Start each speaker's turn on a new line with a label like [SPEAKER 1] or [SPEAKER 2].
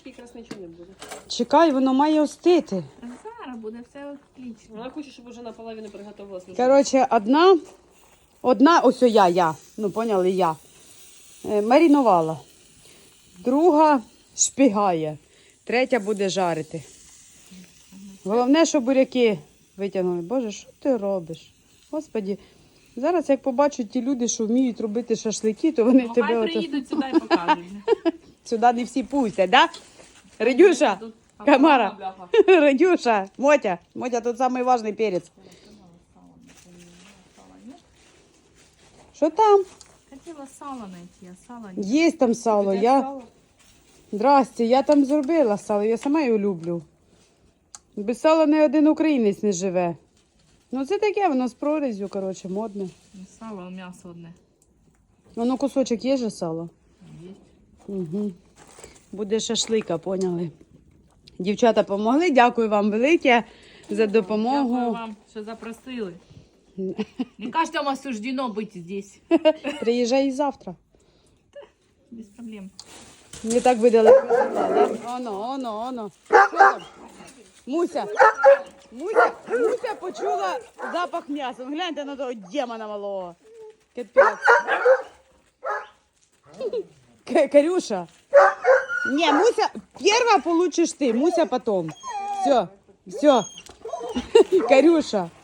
[SPEAKER 1] трошки якраз нічого не буде.
[SPEAKER 2] Чекай, воно має остити.
[SPEAKER 3] Зараз буде все отлично.
[SPEAKER 1] Вона хоче, щоб вже наполовину приготувалася.
[SPEAKER 2] Коротше, одна, ось я, ну поняли, я. Маринувала. Друга шпігає. Третя буде жарити. Головне, щоб буряки витягнули. Боже, що ти робиш? Господі, зараз як побачать ті люди, що вміють робити шашлики, то вони тебе...
[SPEAKER 3] Хай приїдуть сюди і покажуть.
[SPEAKER 2] Сюди не всі пустять, да? Радюша, Камара, Радюша, Мотя, тут самий важний перець. Що там?
[SPEAKER 3] Хотіла сало знайти, а сало ні.
[SPEAKER 2] Є там сало. Здрасте, я там зробила сало, я сама його люблю. Без сала ні один українець не живе. Ну це таке, воно з прорізю, коротше, модне.
[SPEAKER 3] Сало, м'ясо одне.
[SPEAKER 2] Воно кусочок є же сало?
[SPEAKER 3] Є.
[SPEAKER 2] Угу. Буде шашлика, поняли. Дівчата помогли, дякую вам велике за допомогу.
[SPEAKER 3] Дякую вам, що запросили. Не каждому осуждено бути здесь.
[SPEAKER 2] Приїжджай і завтра.
[SPEAKER 3] Без проблем.
[SPEAKER 2] Не так видали. Оно. Що там? Муся почула запах м'яса. Ну, гляньте на того демона малого. Капець. Карюша. Не, Муся, перва получишь ты, Муся потом. Все. Карюша.